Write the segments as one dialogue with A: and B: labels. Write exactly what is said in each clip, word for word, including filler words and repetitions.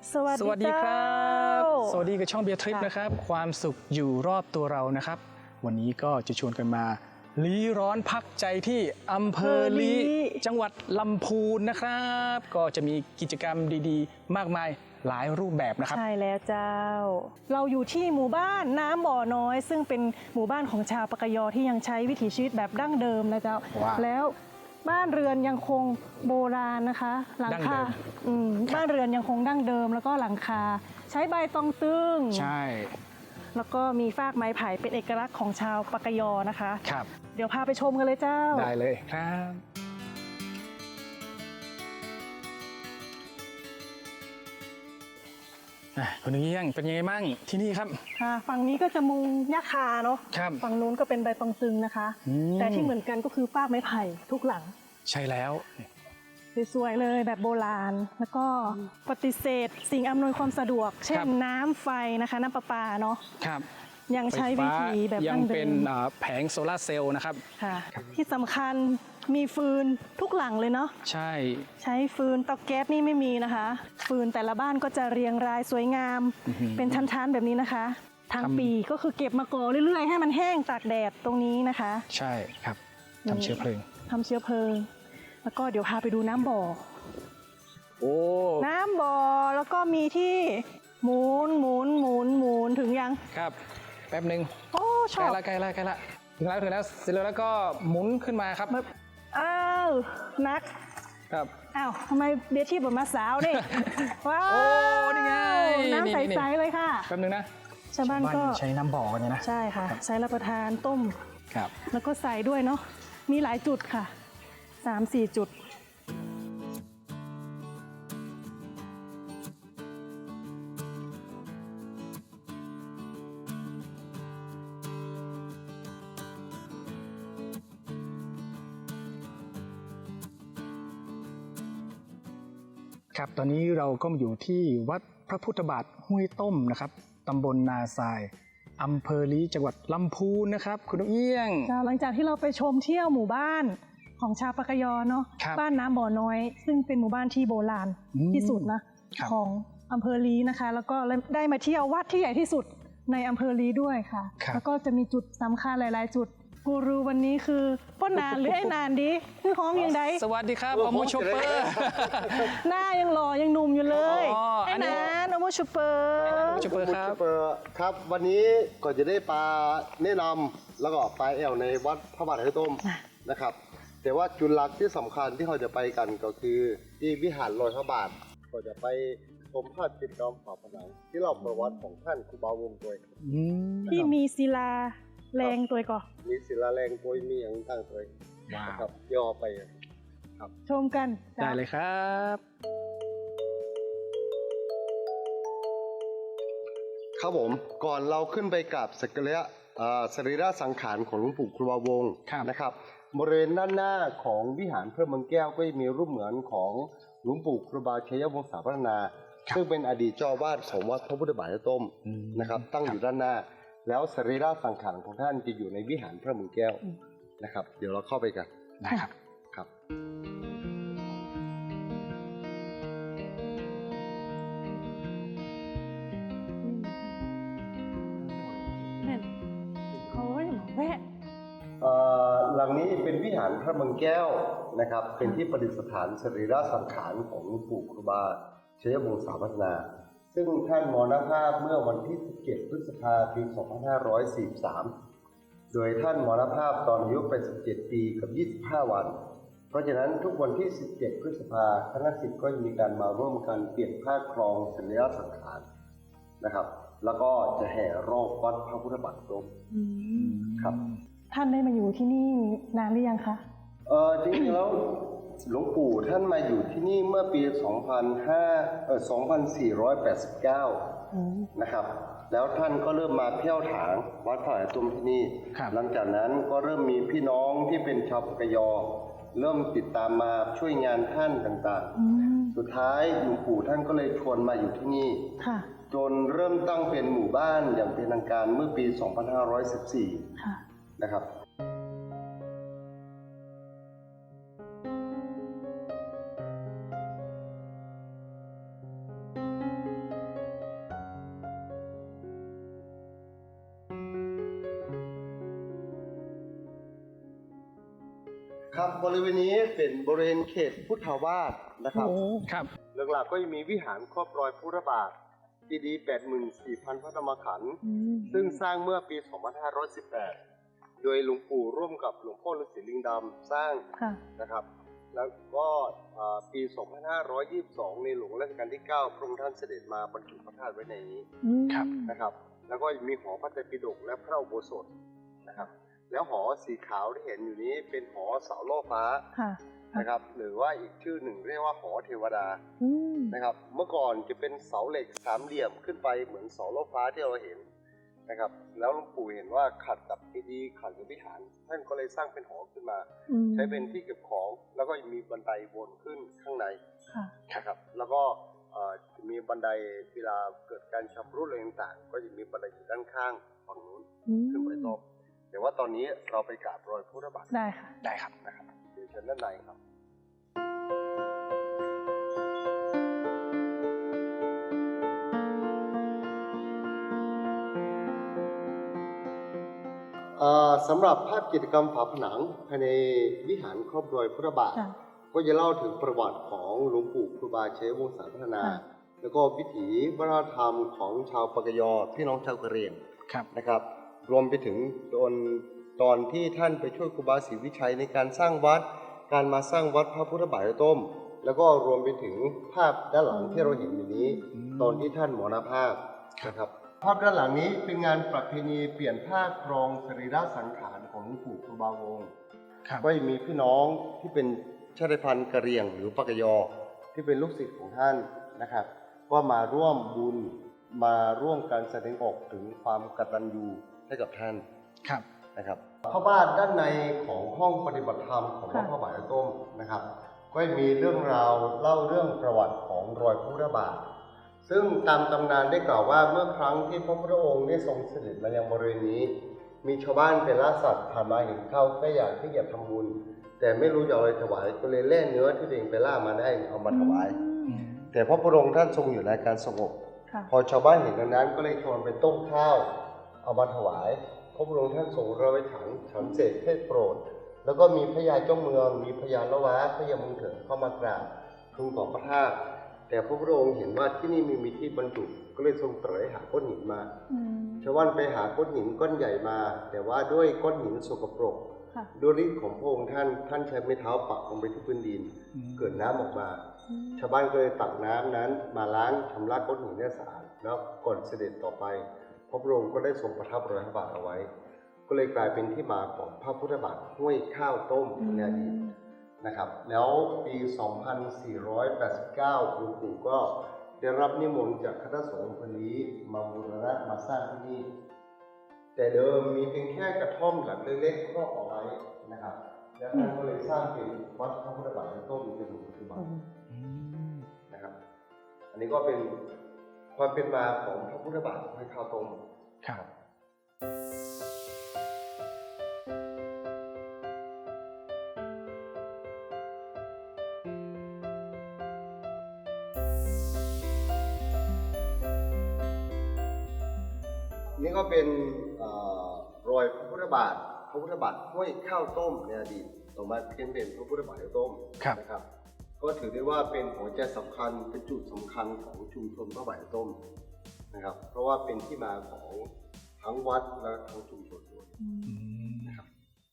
A: สวัส
B: สวัส
A: ดี
B: ดี
A: ค
B: ค
A: รั
B: รับ บสวัสดีกับช่องเบียร์ทริปนะครับความสุขอยู่รอบตัวเรานะครับวันนี้ก็จะชวนกันมาลี้ร้อนพักใจที่อำเภอลี้จังหวัดลำพูนนะครับก็จะมีกิจกรรมดีๆ มากมายหลายรูปแบบนะครับ
A: ใช่แล้วเจ้าเราอยู่ที่หมู่บ้านน้ำบ่อน้อย ซึ่งเป็นหมู่บ้านของชาวปากยอที่ยังใช้วิถีชีวิตแบบดั้งเดิมนะเจ้า
B: ว้าว
A: แล้วบ้านเรือนยังคงโบราณนะคะหลัง
B: ดั้ง
A: คา
B: เดิม
A: อืมบ้านเรือนยังคงดั้งเดิม แล้วก็หลังคาใช้ใบตองตึง
B: ใช่
A: แล้วก็มีฟากไม้ไผ่เป็นเอกลักษณ์ของชาวปากยอนะคะ
B: ครับ
A: เดี๋ยวพาไปชมกันเลยเจ้า
B: ได้เลยครับอ่ะคุณเงี้ยงเป็นยังไงบ้างที่นี่ครับ
A: ค่ะฝั่งนี้ก็จะมุงหญ้าคาเนาะ
B: ครับ
A: ฝั่งนู้นก็เป็นใบตองตึงนะคะ
B: อืม
A: แต่ที่เหมือนกันก็คือฟากไม้ไผ่ทุกหลัง
B: ใช่แล้ว
A: สวยๆเลยแบบโบราณ แล้วก็ปฏิเสธสิ่งอำนวยความสะดวก เช่นน้ำไฟนะคะน้ำประปาเนาะ
B: ครับ
A: ยังใช้วิธีแบบ
B: ยั
A: ดั้
B: ง
A: งเดิ
B: เป็น
A: ม
B: อ่าแผงโซลาร์เซลล์นะครับ
A: ค่ะ ที่สำคัญมีฟืนทุกหลังเลยเนาะ
B: ใช่
A: ใช้ฟืนเตาแก๊สนี่ไม่มีนะคะ ฟืนแต่ละบ้านก็จะเรียงรายสวยงาม เป็นชั้นๆแบบนี้นะคะทั้งปีก็คือเก็บมาก่อเรื่อยๆ ให้มันแห้งตากแดดตรงนี้นะคะ
B: ใช่ครับทำเชื้อเพลิง
A: ทำเชื้อเพลิง แล้วก็เดี๋ยวพาไปดูน้ำบ่อ
B: โอ้
A: น้ำบ่อแล้วก็มีที่หมุนหมุนหมุนหมุนถึงยัง
B: ครับแป๊บหนึ่ง
A: โอ้ช
B: ใก
A: อ
B: ล้
A: บ
B: ละใกล้ละใกล้ละถึงแล้วถึงแล้วเสร็จแล้วแล้วก็หมุนขึ้นมาครับ
A: แบบอ้าวนัก
B: ครับ
A: อ้าวทำไมเบียร์ที่แบบมาสาว นี่ ว้าว
B: โอ้นี่ไง
A: น้ำ
B: นี่
A: ใ
B: นี่
A: สๆเลยค่ะ
B: แป๊บหนึงนะ
A: ชาวบ้านก็
B: ใช้น้ำบ่อกันเนี่ยนะ
A: ใช่ค่ะ ใช้รับประทานต้ม
B: ครับ
A: แล้วก็ใส่ด้วยเนาะมีหลายจุดค่ะสามสี่จุด
B: ครับตอนนี้เราก็มาอยู่ที่วัดพระพุทธบาทห้วยต้มนะครับตำบลนาทรายอำเภอลี้จังหวัดลำพูนนะครับ คุณนกเอี้ยง
A: หลังจากที่เราไปชมเที่ยวหมู่บ้านของชาวปากยอเนาะ
B: ครับ
A: บ้านน้ำบ่อน้อย ซึ่งเป็นหมู่บ้านที่โบราณ
B: อืม
A: ที่สุดนะครับ ของอำเภอลีนะคะ แล้วก็ได้มาเที่ยววัดที่ใหญ่ที่สุดในอำเภอลีด้วยค่ะ
B: ครับ
A: แล้วก็จะมีจุดสำคัญหลาย ๆ จุดกูรูวันนี้คือป้นนานหรือไอ้นานดีคือห้องยังไง
B: สวัสดีครับอโมชเปอร์
A: หน้ายังหล่อยังหนุ่มอยู่เลย
B: อ๋ออั
A: ไอ้
B: นนี้
A: นานโอโมชูเปอร์
B: อโมชเปอร์ครับ
C: เปิดครับวันนี้ก็จะได้ปลาแนะนำแล้วก็ปลาแอวในวัดพระบาทไทยต้มนะครับ แต่ว่าจุดหลักที่สำคัญที่เขาจะไปกันก็คือที่วิหารลอยพระบาทก็จะไปชมภาพจิตรกรรมฝาผนังที่เล่าประวัติของท่านครูบาวงศ์ด้วย
B: อืม
A: ที่มีศิลาแรงตัวก่อน
C: มีศิลาแรงโดยมีอย่างตั้งตัว
B: ว้าว
C: นะครับย่อไป
A: ชมกัน
B: ได้เลยครับ
C: ครับผมก่อนเราขึ้นไปกราบสักการะอ่าสรีระสังขารของหลวงปู่ครูบาวงศ์
B: ครับ
C: นะครับบริเวณด้านหน้าของวิหารพระเมืองแก้วก็จะมีรูปเหมือนของหลวงปู่ครูบาชัยวงศาพัฒนา ซึ่งเป็นอดีตเจ้าอาวาสของวัดพระพุทธบาทไทยต้ม
B: อืม
C: นะครับตั้งอยู่ด้านหน้า แล้วสรีระสังขารของท่านจะอยู่ในวิหารพระเมืองแก้วนะครับ เดี๋ยวเราเข้าไปกัน
B: ได้ครับ
C: ครับ
A: เนี่ยเขาจะบอกแวะ
C: เอ่อหลังนี้เป็นวิหารพระเมืองแก้วนะครับ เป็นที่ประดิษฐานสรีระสังขารของหลวงปู่ครูบาชัยวงศาพัฒนา ซึ่งท่านมรณภาพเมื่อวันที่ สิบเจ็ด พฤษภาคม ปี สองพันห้าร้อยสี่สิบสาม โดยท่านมรณภาพตอนอายุแปดสิบเจ็ด ปีกับ ยี่สิบห้า วัน เพราะฉะนั้นทุกวันที่ สิบเจ็ด พฤษภาคมคณะศิษย์ก็จะมีการมาร่วมกันเปลี่ยนผ้าครองสรีระสังขารนะครับ แล้วก็จะแห่รอบวัดพระพุทธบาทร่มครับ
A: ท่านได้มาอยู่ที่นี่นานหรือยังคะ
C: เออจริงๆแล้วหลวงปู่ท่านมาอยู่ที่นี่เมื่อปี สองพันห้าร้อย เอ่อ สองพันสี่ร้อยแปดสิบเก้า นะครับ แล้วท่านก็เริ่มมาเที่ยวถางวัดพระบาทไทยต้มที่นี่
B: ครับ
C: หลังจากนั้นก็เริ่มมีพี่น้องที่เป็นชาวปากยอ เริ่มติดตามมาช่วยงานท่านต่างๆ สุดท้ายหลวงปู่ท่านก็เลยชวนมาอยู่ที่นี่
A: ค่ะ
C: จนเริ่มตั้งเป็นหมู่บ้านอย่างเป็นทางการเมื่อปี สองพันห้าร้อยสิบสี่
A: ค่ะ
C: นะครับ
A: อ
C: ครับบริเวณนี้เป็นบริเวณเขตพุทธาวาสนะครับ
B: ครับ
C: หลักๆก็จะมีวิหารครอบรอยพุทธบาทเจดีย์ แปดหมื่นสี่พัน พระธรรมขันธ์ซึ่งสร้างเมื่อปี สองพันห้าร้อยสิบแปด โดยหลวงปู่ร่วมกับหลวงพ่อฤาษีลิงดำสร้างนะครับแล้วก็ปี สองพันห้าร้อยยี่สิบสอง ในหลวงรัชกาลที่ เก้า พระองค์ท่านเสด็จมาบรรจุพระธาตุไว้ในนี้นะครับแล้วก็มีหอพระไตรปิฎกและพระอุโบสถนะครับแล้วหอสีขาวที่เห็นอยู่นี้เป็นหอเสาโล่ฟ้านะครับหรือว่าอีกชื่อหนึ่งเรียกว่าหอเทวดานะครับเมื่อก่อนจะเป็นเสาเหล็กสามเหลี่ยมขึ้นไปเหมือนเสาโล่ฟ้าที่เราเห็นนะครับแล้วหลวงปู่เห็นว่าขัดกับเจดีย์ขัดกับวิหารท่านก็เลยสร้างเป็นหอขึ้นมาใช้เป็นที่เก็บของแล้วก็มีบันไดวนขึ้นข้างในนะครับแล้วก็จะมีบันไดเวลาเกิดการชำรุดอะไรต่างๆก็จะมีบันไดอยู่ด้านข้างฝั่งนู้นขึ้นไปต่อแต่ว่าตอนนี้เราไปกราบรอยพุทธบาท
A: ได้ค่ะ
B: ได้ครับ
C: นะครับเดี๋ยวเชิญด้านในครับสำหรับภาพกิจกรรมฝาผนังภายในวิหารครอบรอยพุทธบาทก็จะเล่าถึงประวัติของหลวงปู่ครูบาชัยวงศาพัฒนาแล้วก็วิถีวัฒนธรรมของชาวปากยอพี่น้องชาวกะเหรี่ยงนะครับรวมไปถึงตอนตอนที่ท่านไปช่วยครูบาศรีวิชัยในการสร้างวัดการมาสร้างวัดพระพุทธบาทต้มแล้วก็รวมไปถึงภาพด้านหลังที่เราเห็นอยู่นี้ตอนที่ท่านมรณภาพนะครับภาพด้านหลังนี้เป็นงานประเพณีเปลี่ยนผ้าครองสรีระสังขารของหลวงปู่ครูบาวงศ์ก็มีพี่น้องที่เป็นชาติพันธุ์กะเหรี่ยงหรือปากยอที่เป็นลูกศิษย์ของท่านนะครับก็มาร่วมบุญมาร่วมการแสดงออกถึงความกตัญญูให้กับท่านนะครับพระบาทด้านในของห้องปฏิบัติธรรมของวัดพระบาทต้มนะครับก็มีเรื่องราวเล่าเรื่องประวัติของรอยพุทธบาทซึ่งตามตำนานได้กล่าวว่าเมื่อครั้งที่พระพุทธองค์ได้ทรงเสด็จมายังบริเวณนี้มีชาวบ้านเป็นล่าสัตว์ผ่านมาเห็นเข้าก็อยากที่จะทำบุญแต่ไม่รู้จะเอาอะไรถวายก็เลยแล่เนื้อที่ตัวเองไปล่ามาได้เอามาถวายแต่พระพุทธองค์ท่านทรงอยู่ในการสงบพอชาวบ้านเห็นดังนั้นก็เลยชวนไปต้มข้าวเอามาถวายพระพุทธองค์ท่านทรงเราไปฉันฉันเสร็จเทศโปรดแล้วก็มีพญาเจ้าเมืองมีพญาละวะพญาเมืองเถิดเข้ามากราบทูลต่อพระธาตุแต่พระพุทธองค์เห็นว่าที่นี่มีมีที่บรรจุก็เลยทรงตรัสหาก้อนหินมาชาวบ้านไปหาก้อนหินก้อนใหญ่มาแต่ว่าด้วยก้อนหินสกปรกด้วยฤทธิ์ของพระองค์ท่านท่านใช้ไม้เท้าปักลงไปที่พื้นดินเกิดน้ำออกมาชาวบ้านก็เลยตักน้ำนั้นมาล้างชำระก้อนหินให้สะอาดแล้วก่อนเสด็จต่อไปพระพุทธองค์ก็ได้ทรงประทับรอยพระบาทเอาไว้ก็เลยกลายเป็นที่มาของพระพุทธบาทห้วยข้าวต้มในอดีตนะครับแล้วปี สองพันสี่ร้อยแปดสิบเก้า หลวงปู่ก็ได้รับนิมนต์จากคณะสงฆ์พลีมาบูรณะมาสร้างที่นี่แต่เดิมมีเพียงแค่กระท่อมหลังเล็กๆครอบเอาไว้นะครับแล้วท่านก็เลยสร้างเป็นวัดพระพุทธบาทต้มจนถึงปัจจุบันนะครับอันนี้ก็เป็นความเป็นมาของพระพุทธบาทห้วยข้าวต้ม
B: ครับ
C: นี่ก็เป็นรอยพระพุทธบาทพระพุทธบาทห้วยข้าวต้มในอดีตต่อมาเปลี่ยนเป็นพระพุทธบาทต้มนะครับก็ถือได้ว่าเป็นหัวใจสำคัญเป็นจุดสำคัญของชุมชนพระบาทต้มนะครับเพราะว่าเป็นที่มาของทั้งวัดและทั้งชุมชนด้วยนะครับ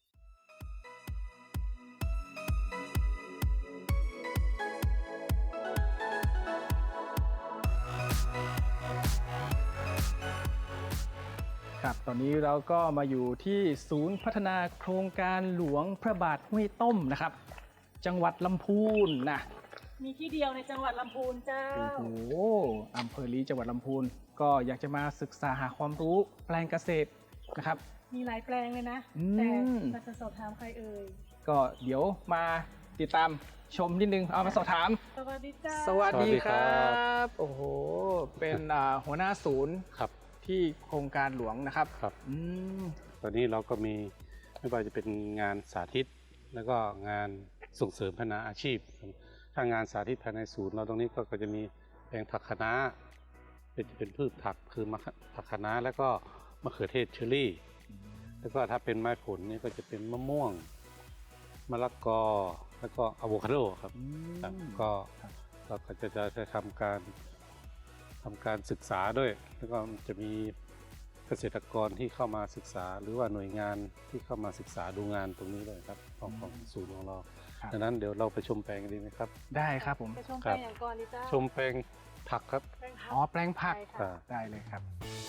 B: ครับตอนนี้เราก็มาอยู่ที่ศูนย์พัฒนาโครงการหลวงพระบาทห้วยต้มนะครับจังหวัดลำพูนนะ
A: มีที่เดียวในจังหวัดลำพูนเจ้า
B: โอ้โหอำเภอลีจังหวัดลำพูนก็อยากจะมาศึกษาหาความรู้แปลงเกษตรนะครับ
A: มีหลายแปลงเลยนะแต่เราจะสอบถามใครเอ่ย
B: ก็เดี๋ยวมาติดตามชมนิดนึงเอามาสอบถาม
A: สวัสดีจ้า
B: สวัสดีครับโอ้โหเป็นหัวหน้าศูนย์
D: ครับ
B: ที่โครงการหลวงนะครับ
D: ครับตอนนี้เราก็มีไม่ว่าจะเป็นงานสาธิตแล้วก็งานส่งเสริมพัฒนาอาชีพถ้างานสาธิตภายในศูนย์เราตรงนี้ก็จะมีแปลงผักคะน้าเป็นเป็นพืชผักคือมะผักคะน้าแล้วก็มะเขือเทศเชอร์รี่แล้วก็ถ้าเป็นไม้ผลนี่ก็จะเป็นมะม่วงมะละกอแล้วก็อะโวคาโดครับ
B: อืม
D: ครับก็เราก็จะจะจะทำการทำการศึกษาด้วย แล้วก็จะมีเกษตรกรที่เข้ามาศึกษา หรือว่าหน่วยงานที่เข้ามาศึกษาดูงานตรงนี้เลยครับของของศูนย์ของเรา
B: ครับ
D: ดังนั้นเดี๋ยวเราไปชมแปลงกันดีไหมครับ
B: ได้ครับผม
A: ไปชม
D: ครั
A: แปล
D: บ
A: งอย่างก่อนดิจ้า
D: ชมแปลงผักครับ
A: แปลงผัก
B: อ๋อแปลงผัก
A: ใช่
D: ครั
A: ค่ะ
D: บ
B: ได้เลยครับ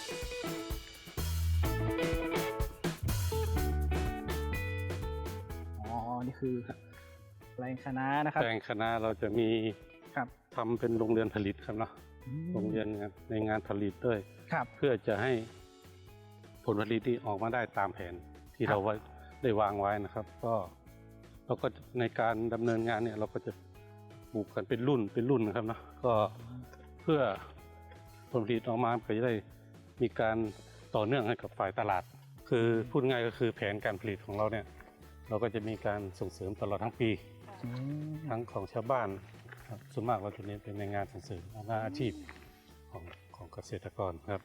B: อ๋อนี่คือแปลงคะน้านะครับ
D: แปลงคณะเราจะมี
B: ครับ
D: ทำเป็นโรงเรือนผลิตครับเนาะ
B: อืม
D: โรงเรียนงานในงานผลิตด้วย
B: ครับ
D: เพื่อจะให้ผลผลิตที่ออกมาได้ตามแผนที่
B: ครับ
D: เราไว้ได้วางไว้นะครับ ก็เราก็ในการดำเนินงานเนี่ยเราก็จะปลูกกันเป็นรุ่นเป็นรุ่นนะครับเนาะก็เพื่อผลผลิตออกมาก็จะได้มีการต่อเนื่องให้กับฝ่ายตลาด คือพูดง่ายก็คือแผนการผลิตของเราเนี่ยเราก็จะมีการส่งเสริมตลอดทั้งปี
B: อืม
D: ทั้งของชาวบ้านครับส่วนมากเราจะเน้นเป็นในงานส่งเสริมงานอาชีพของของเกษตรกรครับ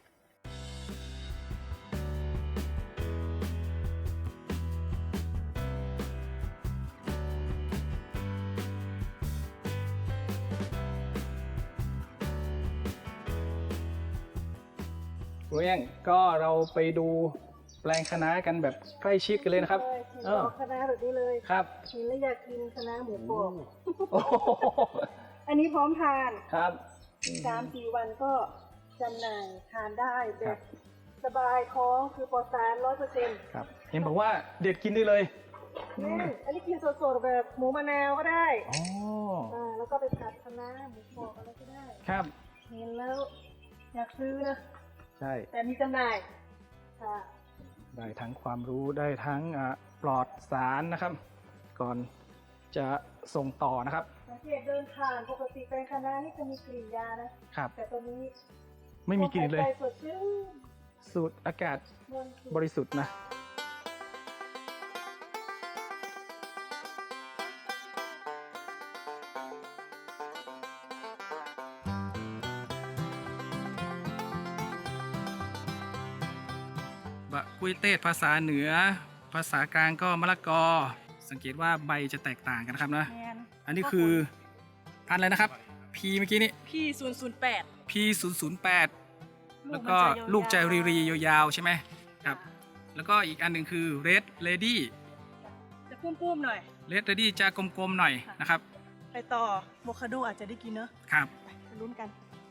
B: เรียงก็เราไปดูแปลงคะน้ากันแบบใกล้ชิดกันเลยนะครับ
A: เลย
B: เออ
A: คณะแบบนี้เลย
B: ครับ
A: กินแล้วอยากกินคณะหมูกรอบ
B: โอ้โห
A: อันนี้พร้อมทาน
B: ครับ
A: สามสี่วันก็จำหน่ายทานได้แบ
B: ครับ บ
A: สบายท้องคือปลอดสารร้อยเปอร์เซ็นต์
B: ครับเห็นบอกว่าเด็ดกินได้เลย
A: อันนี้กินสดๆแบบหมูมะนาวก็ได้
B: อ๋อ
A: อ่าแล้วก็ไปผัดคะน้าหมูกรอบอะไรก็ได้
B: ครับ
A: เห็นแล้วอยากซื้อนะ
B: ใช่
A: แต่มีจำหน่ายค่ะ
B: ได้ทั้งความรู้ได้ทั้งอ่ะปลอดสารนะครับ ก่อนจะส่งต่อนะครับ
A: สังเกตเดินผ่านปกติแปลงคะน้านี่จะมีกลิ่นยานะครับ แต่ตัวนี้
B: ไม่มีกลิ่นเลย
A: ใจสดชื่น
B: สูดอากาศ
A: บริสุทธิ์
B: บริสุทธิ์นะ บะกุยเตศภาษาเหนือ ภาษากลางก็มะละกอ สังเกตว่าใบจะแตกต่างกันนะครับนะ
A: แมน
B: อันนี้คือพันธุ์อะไรนะครับ P เมื่อกี้นี้
A: พี่ศูนย์ศูนย์แปด
B: P ศูนย์ ศูนย์ แปด แล้วก็ลูกใจรีรียาวๆใช่ไหมครับ แล้วก็อีกอันหนึ่งคือ Red Lady
A: จะปุ้มๆหน่อย
B: Red Lady จะกลมๆหน่อยนะครับ
A: ไปต่อโมคาโดอาจจะได้กินเนอะ
B: ครับ
A: ไปลุ้นกัน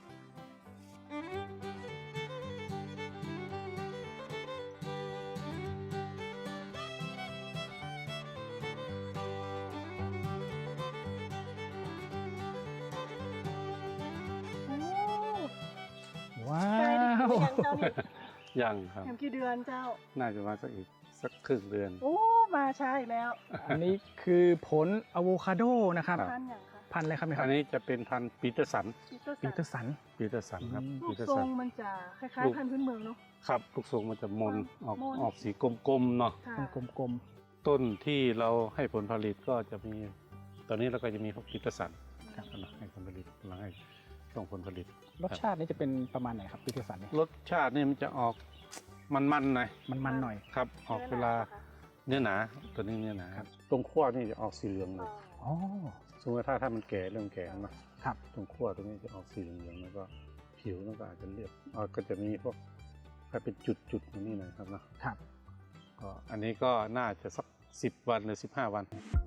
A: โอ้
B: ว้า
A: ใกล้ได้กิน
B: ว
A: หรือยังเจ้านี่
D: ยังครับ
A: แถมกี่เดือนเจ้า
D: น่าจะมาสักอีกสักครึ่งเดือน
A: โอ้ มาช้าอีกแล้ว
B: อันนี้คือผลอะโวคาโดนะครับ
D: ครับ
A: ท่านอย่างคะ
B: พันธุ์อะไรครับเนี่ยค
D: อั
B: รับ
D: นนี้จะเป็นพันธุ์ปีเตอร์สัน
A: ปีเตอร์
B: ปีเตอร์สัน
D: ปีเตอร์สันครับ
B: อืม
A: รู
D: ปี
A: ป
D: เตอร์
A: ทร
D: สั
A: ง
D: น
A: มันจะคล้าย
D: รูป
A: ๆพันธุ์พื้นเมืองเนาะ
D: ครับลูกทรงมันจะมนออก
A: มน
D: ออกสีกลมๆเนาะ
A: ค่ะ
B: กลม
D: ต้นที่เราให้ผลผลิตก็จะมี ตอนนี้เราก็จะมีพวกปีเตอร์สัน
B: ครับ
D: กำลังให้ผลผลิตกำลังให้ส่งผลผลิต
B: ๆรสชาตินี่จะเป็นประมาณไหนครับปีเตอร์สันเนี่ย
D: รสชาตินี่มันจะออกมันๆหน่อย
B: มันๆหน่อย
D: ครับ ออกเวลาเนื้อหนาตัวนี้เนื้อหนาครับตรงขั้วนี่จะออกสีเหลืองเลย
B: อ๋อ
D: สมมติถ้าถ้ามันแก่เริ่มแก่นะครับ ตรงขั้วตรงนี้จะออกสีเหลืองๆแล้วก็ผิวมันก็อาจจะเรียบอ่าก็จะมีพวกถ้าเป็นจุดๆอย่างนี้หน่อยครับนะครับ ก็อันนี้ก็น่าจะสักสิบวันหรือสิบห้าวัน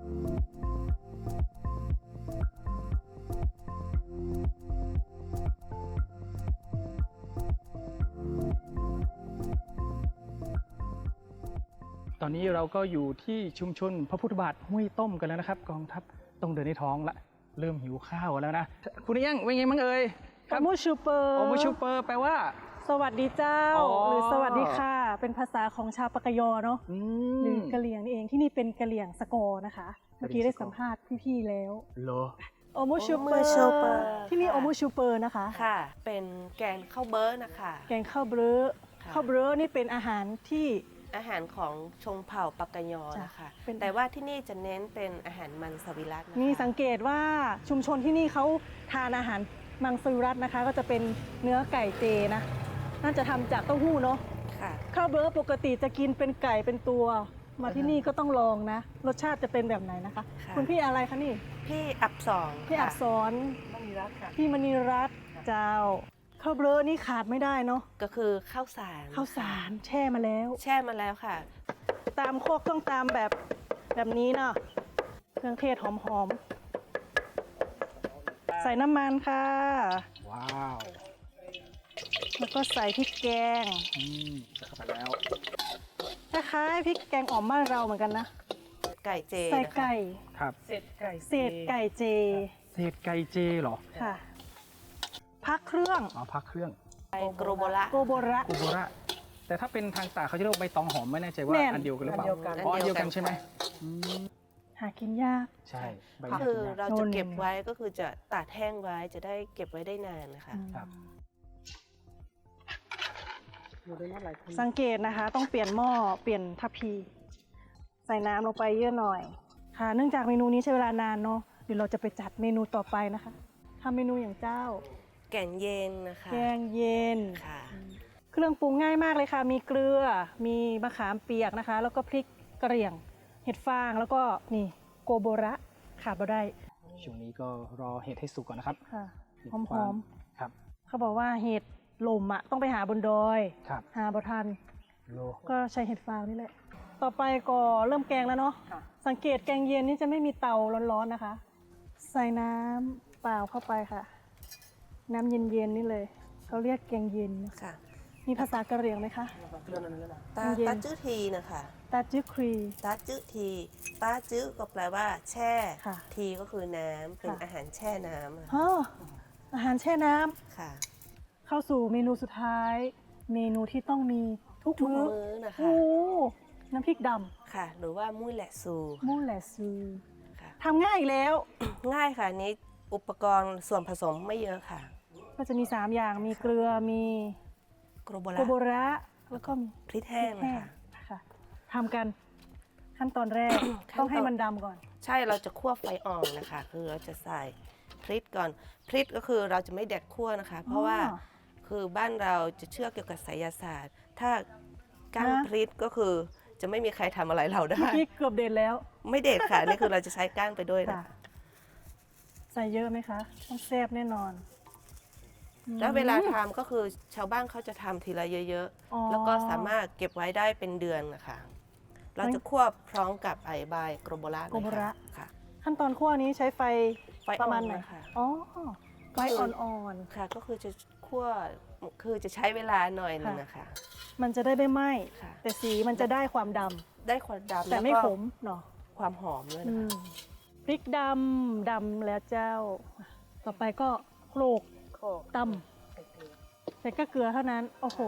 B: ตอนนี้เราก็อยู่ที่ชุมชนพระพุทธบาทห้วยต้มกันแล้วนะครับ กองทัพต้องเดินในท้องละ เริ่มหิวข้าวแล้วนะ คุณเอี้ยังเป็นไงบ้างเอ่ย
A: โอมูชูเปอร์
B: โอมูชูเปอร์แปลว่า
A: สวัสดีเจ้า
B: อ๋อ
A: หรือสวัสดีค่ะ เป็นภาษาของชาวปากกยอเนาะ
B: อื
A: หรือ
B: ม
A: กะเหลี่ยงนี่เองที่นี่เป็นกะเหลี่ยงสกอร์นะคะ เมื่อกี้ได้สัมภาษณ์พี่ๆแล้ว
B: เหรอ
A: โอมูชูเปอ
E: โอมูชูเปอร์
A: ร์ที่นี่
E: ค่ะ
A: โอมูชูเปอร์นะคะ
E: ค่ะ เป็นแกงข้าวเบิร์นะคะ
A: แกงข้าวเบลอ
E: ค่ะ
A: ข้าวเบลอนี่เป็นอาหารที่
E: อาหารของชงเผ่าปักกยอ
A: จ้ะ
E: นะคะ
A: เป็น
E: แต่ว่าที่นี่จะเน้นเป็นอาหารมันสวิรัตนะคะ
A: นี่สังเกตว่าชุมชนที่นี่เขาทานอาหารมังสวิรัตนะคะ ก็จะเป็นเนื้อไก่เจนะ น่าจะทำจากเต้าหู้เนาะ
E: ค่ะ
A: ข้าวเบลอปกติจะกินเป็นไก่เป็นตัวมาที่นี่ก็ต้องลองนะ รสชาติจะเป็นแบบไหนนะคะ
E: ค่ะ
A: คุณพี่อะไรคะนี่
E: พี่อับสอง
A: พี่อักษรพี่มณีรัตน์เจ้าข้าวเบลอนี่ขาดไม่ได้เนาะ
E: ก็คือข้าวสาร
A: ข้าวสารแช่มาแล้ว
E: แช่มาแล้วค่ะ
A: ตามโคกต้องตามแบบแบบนี้เนาะเครื่องเทศหอมๆ ใส่น้ำมันค่ะ
B: ว้าว
A: แล้วก็ใส่พริกแกง
B: อืมใส่เข้าไปแล้ว
A: คล้ายๆพริกแกงอ่อมบ้านเราเหมือนกันนะ
E: ไก่เจ
A: ใส่
E: นะคะ
A: ไก่
B: ครับ
A: เศษไก่เจ
B: เศษไก่เจเหรอ
A: ค่ะ พักเครื่อง
B: เอาพักเครื่อง
E: ไก่โกรโบระ
A: โกโบระ
B: กูโบระแต่ถ้าเป็นทางตากเขาจะเรียกว่าใบตองหอมไม่แน่ใจว่า
A: แน่น
B: อันเดียวกันหรือเปล่า
E: อันเดียวกัน
B: อ๋ออันเดียวกัน
E: อันเดียวกัน
B: ใช่ไหม
E: ค่ะ
B: อืม
A: หากินยาก
B: ใช่ใบ
E: ก็
B: หน้า
E: คือ
B: กินยาก
E: เราจะเก็บไว้ก็คือจะตากแห้งไว้จะได้เก็บไว้ได้นานนะคะ
B: ครับ
A: สังเกตนะคะ ต้องเปลี่ยนหม้อเปลี่ยนทัพพี ใส่น้ำลงไปเยอะหน่อย ค่ะ เนื่องจากเมนูนี้ใช้เวลานานเนาะเดี๋ยวเราจะไปจัดเมนูต่อไปนะคะทำเมนูอย่างเจ้า
E: แกงเย็นนะคะ
A: แกงเย็น
E: ค่ะ
A: เครื่องปรุงง่ายมากเลยค่ะ มีเกลือ มีมะขามเปียกนะคะ แล้วก็พริกกระเหรี่ยง เห็ดฟาง แล้วก็นี่โกโบระขาดบ่ได้
B: ช่วงนี้ก็รอเห็ดให้สุกก่อนนะครับ
A: ค่ะ
B: มี
A: หอม
B: ค
A: ห
B: วา
A: อม
B: ครับ
A: เขาบอกว่าเห็ดลมอ่ะต้องไปหาบนดอย
B: ครับ
A: หาบ่ทัน
B: โล
A: ก็ใช้เห็ดฟางนี่แหละ ต่อไปก็เริ่มแกงแล้วเนาะ สังเกตแกงเย็นนี่จะไม่มีเตาร้อนๆนะคะ ใส่น้ำเปล่าเข้าไปค่ะ น้ำเย็นๆนี่เลย เขาเรียกแกงเย็น
E: ค่ะ
A: มีภาษากะเหรี่ยงไหมคะ
E: ตา
A: เย็น
E: ตาจื้อทีนะคะ
A: ตาจื้อครี
E: ตาจื้อทีตาจื้อก็แปลว่าแช่
A: ค่ะ
E: ทีก็คือน้ำเป็น
A: ค่ะ
E: อาหารแช่น้ำอะ
A: ฮะอาหารแช่น้ำ
E: ค่ะ
A: เข้าสู่เมนูสุดท้าย เมนูที่ต้องมีทุก
E: ทุก
A: มื้อ
E: มื้อนะคะ
A: โอ้น้ำพริกด
E: ค่ะ หรือว่ามุ้ยแหละซู
A: ำมูแหลซู
E: ค่ะ
A: ทำง่ายอีกแล้ว
E: ง่ายค่ะอันนี้อุปกรณ์ส่วนผสมไม่เยอะค่ะ
A: ก็จะมี สาม อย่าง มีเกลือ มี
E: โกรโบ
A: โกโบ
E: ระ
A: ระ แล้วก็มี
E: พริกแห้ง
A: พริก
E: นะคะ
A: ค่ะทำกันขั้นตอนแรก
E: ขั้นตอน
A: ต้องให้มันดำก่อน
E: ใช่เราจะคั่วไฟอ่อนนะคะ คือเราจะใส่พริกก่อนพริกก็คือเราจะไม่แดดคั่วนะคะ เพราะว่า
A: อ๋อ
E: คือบ้านเราจะเชื่อเกี่ยวกับไสยศาสตร์ ถ้าก้าง
A: ฮะ
E: พริกก็คือจะไม่มีใครทำอะไรเราได้
A: เมื่อกี้เกือบเด็ดแล้ว
E: ไม่เด็ดค่ะ นี่คือเราจะใช้ก้างไปด้วยนะ
A: ค่ะ
E: คะ
A: ใส่เยอะไหมคะ ต้องแซ่บแน่นอน
E: แล้วเวลาทำก็คือชาวบ้านเขาจะทำทีละเยอะ
A: อ๋อ
E: ๆ แล้วก็สามารถเก็บไว้ได้เป็นเดือนนะคะ เราจะคั่วพร้อมกับไอใบโกรโบระ
A: โกโบระ
E: ค่ะ
A: ขั้นตอนคั่วนี้ใช้ไฟ
E: ไฟ
A: ประมาณไหน
E: อ่อนนะคะ
A: อ๋อ ไฟ
E: ก็คือ
A: อ่อน
E: ค่ะ ก็คือจะคั่วคือจะใช้เวลาหน่อยหนึงนะคะ
A: ๆ มันจะได้ไม่ไหม้
E: ค่ะ
A: แต่สีมันจะได้ความดำ
E: ได้ความดำ
A: แต่ไม่
E: ล้ว
A: ข
E: ก็
A: มเนาะ
E: ความหอมด้วย
A: อื
E: นะคะ
A: มพริกดำ ดำแล้วเจ้า ต่อไปก็โขลกตำใส่ก็เกลือเท่านั้น โอ้โห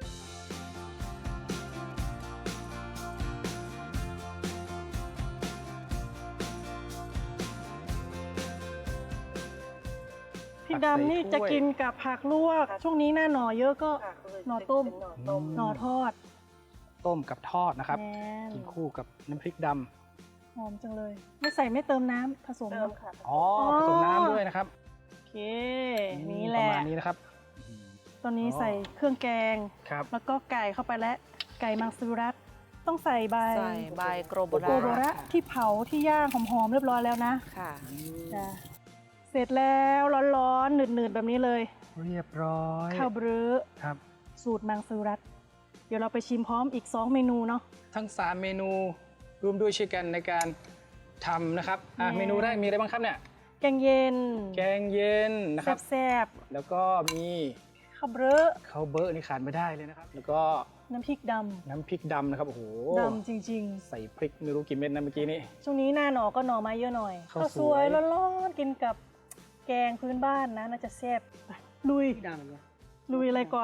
A: พริกดำนี่จะกินกับผักลวก ช่วงนี้หน้าหน่อเยอะก็หน่อต้ม หน่อทอด
B: ต้มกับทอดนะครับ
A: แน่น
B: กินคู่กับน้ำพริกด
A: หอมจังเลย ไม่ใส่ไม่เติมน้ำผสม
E: เติมค่ะ
B: ำอ๋อผสมน้ำด้วยนะครับ
A: โอเค นี่แหละ
B: ประมาณนี้นะครับ
A: ตอนนี้
B: อ๋อ
A: ใส่เครื่องแกง
B: ครับ
A: แล้วก็ไก่เข้าไปแล้ว ไก่มังสวิรัตต้องใส่ใบ
E: ใส่ใบโกรโบ
A: โกโบระ
E: ระ
A: ที่เผาที่ย่างหอมๆเรียบร้อยแล้วนะ
E: ค่ะ
A: จ้ะเสร็จแล้วร้อนๆหนืดๆแบบนี้เลย
B: เรียบร้อย
A: ข้าวเบรอ
B: ครับ
A: สูตรมังสวิรัตเดี๋ยวเราไปชิมพร้อมอีก สอง เมนูเนาะ
B: ทั้งสามเมนูรวมด้วยช่วยกันในการทำนะครับอ่ะ
A: แน่
B: เมนูแรกมีอะไรบ้างครับเนี่ย
A: แกงเย็น
B: แกงเย็นนะครับ
A: แซ่บ
B: แล้วก็มี
A: ๆข้าวเบรอ
B: ข้าวเบอร์นี่ขาดไม่ได้เลยนะครับ แล้วก็
A: น้ำพริกด
B: น้ำพริกดำนะครับโอ้โห
A: ำดำจริง
B: ใส่พริกไม่รู้กี่เม็ดนะเมื่อกี้นี้
A: ๆ ช่วงนี้หน้าหน่อก็หน่อไม้เยอะหน่อย
B: ข้าว
A: ข้าว
B: ส
A: ส
B: ว
A: วย ยร้อนๆกินกับแกงพื้นบ้านนะน่าจะแซ่บไปลุยลุยอะไรก่อน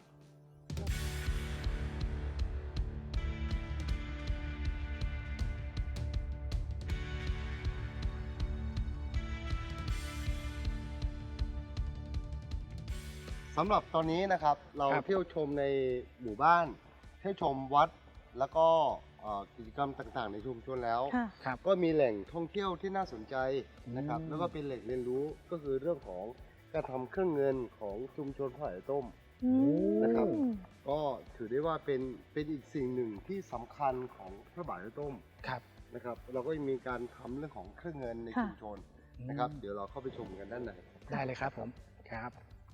C: สำหรับตอนนี้นะครับเรา
B: ครับ
C: เที่ยวชมในหมู่บ้าน เที่ยวชมวัดแล้วก็เอ่อกิจกรรมต่างๆ ในชุมชนแล้ว
A: ค่ะ
B: ครับ
C: ก็มีแหล่งท่องเที่ยวที่น่าสนใจนะครับ
B: อืม
C: แล้วก็เป็นแหล่งเรียนรู้ก็คือเรื่องของการทำเครื่องเงินของชุมชนพระไหต้ม
A: อืม
C: นะครับ ก็ถือได้ว่าเป็นเป็นอีกสิ่งหนึ่งที่สำคัญของพระบาทไหต้ม
B: ครับ
C: นะครับเราก็มีการทำเรื่องของเครื่องเงินใน
A: ค่ะ
C: ชุมชนนะครับ เดี๋ยวเราเข้าไปชมกันด้านใน
B: ได้เลยครับผมครับ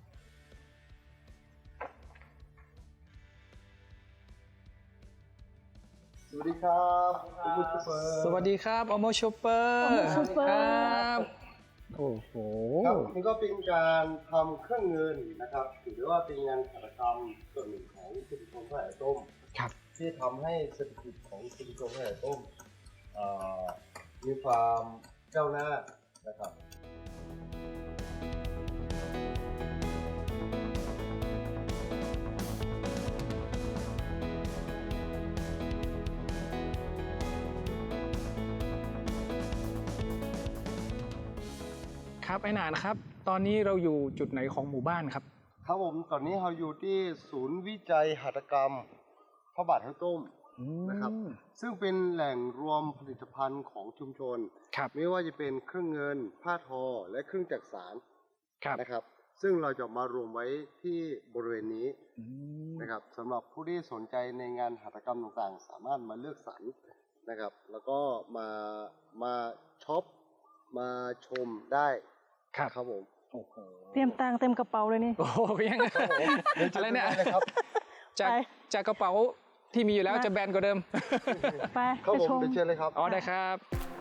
C: สวัสดีครับคุณผู้ชม
B: สวัสดีครับอโมชอปเปอร์
A: Omo Shopper
B: ครับโอ้โห
C: ครับนี่ก็เป็นการทำเครื่องเงินนะครับถือได้ว่าเป็นงานหัตถกรรมส่วนหนึ่งของชุมชนพระไหต้ม
B: ครับ
C: ที่ทำให้เศรษฐกิจของชุมชนพระไหต้มเอ่อมีความก้าวหน้านะครับ
B: ครับไอ้หนานครับ ตอนนี้เราอยู่จุดไหนของหมู่บ้านครับ
C: ครับผมตอนนี้เราอยู่ที่ศูนย์วิจัยหัตถกรรมพระบาทไหต้มนะครับซึ่งเป็นแหล่งรวมผลิตภัณฑ์ของชุมชน
B: ครับ
C: ไม่ว่าจะเป็นเครื่องเงินผ้าทอและเครื่องจักสาน
B: ครับ
C: นะครับ ซึ่งเราจะมารวมไว้ที่บริเวณนี้
B: อืม
C: นะครับสำหรับผู้ที่สนใจในงานหัตถกรรมต่างๆ สามารถมาเลือกสรรนะครับ แล้วก็มามาช็อปมาชมได้
B: ครับ
C: ครับผม
B: โอ้โห
A: เตรียมตังค์เต็มกระเป๋าเลยนี่
B: โอ้โหยังไงอะไรเนี่ย
C: ได้เลยครับ
B: จาก
A: ไป
B: จากกระเป๋าที่มีอยู่แล้ว
A: มา
B: จะแบนกว่าเดิม
A: ไป
C: ครับ
A: ไป
C: ผม
A: ชม
C: เดี๋ยวเชิญเลยครับ
B: อ๋อได้ครับ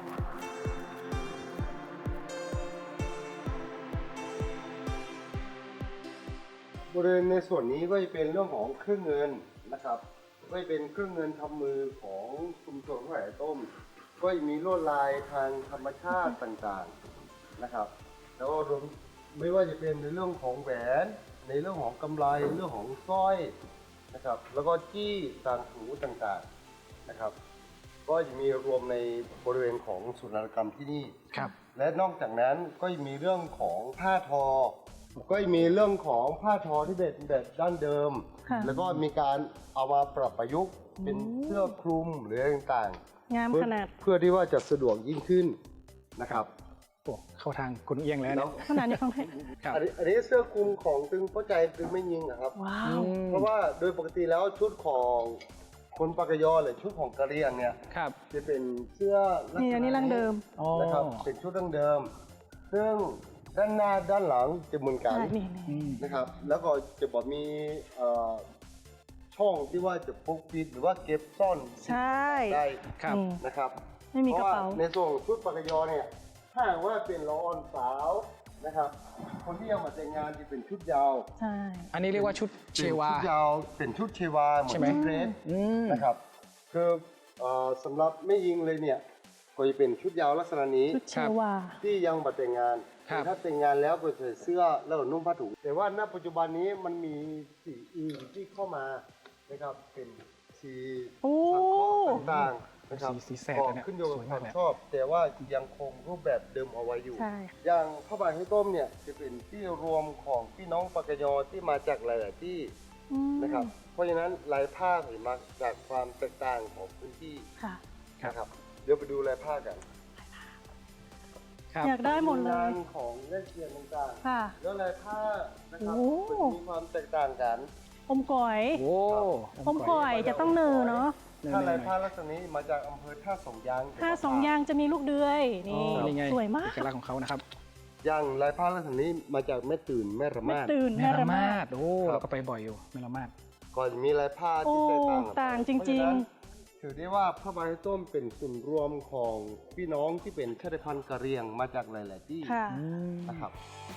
C: บริเวณในส่วนนี้ก็จะเป็นเรื่องของเครื่องเงินนะครับก็จะเป็นเครื่องเงินทำมือของชุมชนพระไหต้ม ก็จะมีลวดลายทางธรรมชาติต่างๆนะครับ แล้วก็รวมไม่ว่าจะเป็นในเรื่องของแหวน ในเรื่องของกำไลเรื่องของสร้อยนะครับ แล้วก็จี้ต่างหูต่างๆนะครับ ก็จะมีรวมในบริเวณของศูนย์นวัตกรรมที่นี่
B: ครับ
C: และนอกจากนั้นก็ยังมีเรื่องของผ้าทอ ก็ยังมีเรื่องของผ้าทอที่เป็นแบบดั้งเดิม
A: ค่ะ
C: แล้วก็มีการเอามาปรับประยุกต์เป็นเสื้อคลุมหรืออะไรต่าง
A: งาม
C: ๆเพื่อ
A: ขนาด
C: เพื่อที่ว่าจะสะดวกยิ่งขึ้นนะครับ
B: โอ้เข้าทางคุณเอียงแล้ว
C: แล้
B: เนี่
C: วย
A: ขนาดนี้ฟังเพลง
B: ครับ
C: อันนี้อันนี้เสื้อคลุมของตึงเข้าใจตึงไม่ยิงนะครับ
A: ว้า
B: อื
A: ว
B: ม
C: เพราะว่าโดยปกติแล้วชุดของคนปากกยอหรือชุดของกะเหรี่ยงเนี่ย
B: ครับ
C: จะเป็นเสื้อลักษณะ
A: นี่อันนี้รังเดิม
B: อ๋อ
C: นะครับเป็นชุดดั้งเดิม ซึ่งด้านหน้าด้านหลังจะเหมือนกัน
A: ใช่นี่
B: อื
A: นี่
B: ม
C: นะครับ แล้วก็จะบอกมีเอ่อช่องที่ว่าจะพกปิดหรือว่าเก็บซ่อน
A: ใช่
C: ได้
B: ครับ
A: นี่
C: นะครับ
A: ไม่มีกระเป๋า
C: พว่ในส่วนของชุดปากกยอเนี่ยถ้าหากว่าเป็นละออนสาวนะครับ คนที่ยังมาแต่งงานจะเป็นชุดยาว
A: ใช่
B: อันนี้เรียกว่าชุดเชวา
C: ป็นชุดยาวเป็นชุดเชวาเหมือ
B: ใช่
C: น
B: ไหม
C: ชุดเดรส
B: อืม
C: นะครับคือเอ่อสำหรับไม่ยิงเลยเนี่ยก็จะเป็นชุดยาวลักษณะนี้
A: ชุดเชวา
C: ที่ยังมาแต่งงาน
B: ครับ
C: แต่ถ้าแต่งงานแล้วก็ใส่เสื้อแล้วก็นุ่งผ้าถุงแต่ว่าณปัจจุบันนี้มันมีสีอื่นที่เข้ามานะครับเป็นสี
A: โอ้
C: สังเคราะห์ต่างๆนะครับ
B: สีสีแสด
C: ก็
B: เลยเนี่ย
C: ขึ้นอยู่กับ
B: สวยาก
C: ความ
B: เลย
C: ชอบ แต่ว่ายังคงรูปแบบเดิมเอาไว้อยู่
A: ใช่
C: อย่างผ้าบาทให้ต้มเนี่ยจะเป็นที่รวมของพี่น้องปากกยอที่มาจากหลายๆที่
A: อืม
C: นะครับ เพราะฉะนั้นลายผ้าเห็นมาจากความแตกต่างของพื้นที่
A: ค่ะ
C: นะครับ เดี๋ยวไปดูลายผ้ากัน
B: ครับ
A: อยากได้หมดเล
C: งาย นของเล่นเทียนต่างๆ
A: ค่ะ
C: แล้วลายผ้านะครับ
A: โอ้
C: มันมีความแตกต่างกัน
A: อมก่อย
B: โอ้
A: อมก่อยจะต้องเนอเนาะ
C: ถ้าลายผ้าลักษณะนี้มาจากอำเภอท่าสองยาง
A: ถ้าสองยางจะมีลูกเดือย
B: อ๋อ
A: นี่
B: นี่ไง
A: สวยมาก
B: เอกลักษณ์ของเขานะครับ
C: อย่างลายผ้าลักษณะนี้มาจากแม่ตื่นแม่ระ
A: ไม่
C: มาด
A: ตื่น
B: แม่
A: แม่
B: ละ
A: ระ
B: มา
A: มา
B: ด
A: ด
B: โอ้
C: ครับ
B: เราก็ไปบ่อยอยู่แม่ละมาด
C: ก็จะมีลายผ้าที่แตกต่างกันไป
A: โอ้ต่างจริงๆ
C: เพาะฉะนั้นถือได้ว่าผ้าใบต้มเป็นส่วนรวมของพี่น้องที่เป็นชาติพันธุ์กะเหรี่ยงมาจากหลาย ๆ ที่
A: ค่ะ
B: อืม
C: นะครับ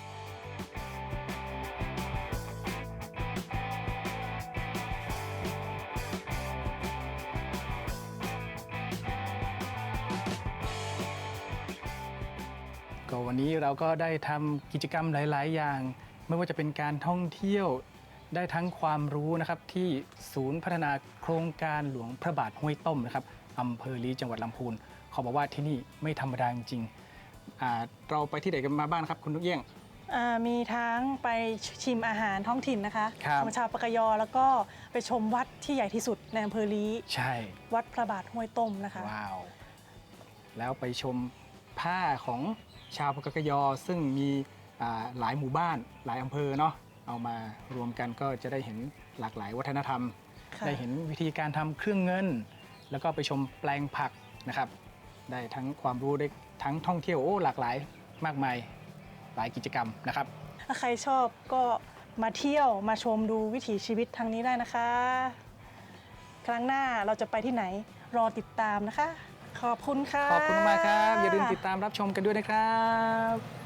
B: ก็วันนี้เราก็ได้ทำกิจกรรมหลาย ๆ อย่าง ไม่ว่าจะเป็นการท่องเที่ยวได้ทั้งความรู้นะครับที่ศูนย์พัฒนาโครงการหลวงพระบาทห้วยต้มนะครับอำเภอลีจังหวัดลำพูนเขาบอกว่าที่นี่ไม่ธรรมดาจริงๆอ่าเราไปที่ไหนกันมาบ้างครับคุณนุกเอี้ยง
A: อ่ามีทั้งไปชิมอาหารท้องถิ่นนะคะ
B: ครับ
A: ของชาวปากกยอแล้วก็ไปชมวัดที่ใหญ่ที่สุดในอำเภอลี
B: ใช่
A: วัดพระบาทห้วยต้มนะคะ
B: ว้าว แล้วไปชมผ้าของชาวปากกยอซึ่งมีอ่าหลายหมู่บ้านหลายอำเภอเนาะเอามารวมกันก็จะได้เห็นหลากหลายวัฒนธรรม
A: ค่ะ
B: ได้เห็นวิธีการทำเครื่องเงิน แล้วก็ไปชมแปลงผักนะครับ ได้ทั้งความรู้ได้ทั้งท่องเที่ยวโอ้หลากหลายมากมายหลายกิจกรรมนะครับ
A: ถ้าใครชอบก็มาเที่ยวมาชมดูวิถีชีวิตทางนี้ได้นะคะ ครั้งหน้าเราจะไปที่ไหนรอติดตามนะคะ ขอบคุณค่ะ
B: ขอบคุณมากครับ อย่าลืมติดตามรับชมกันด้วยนะครับ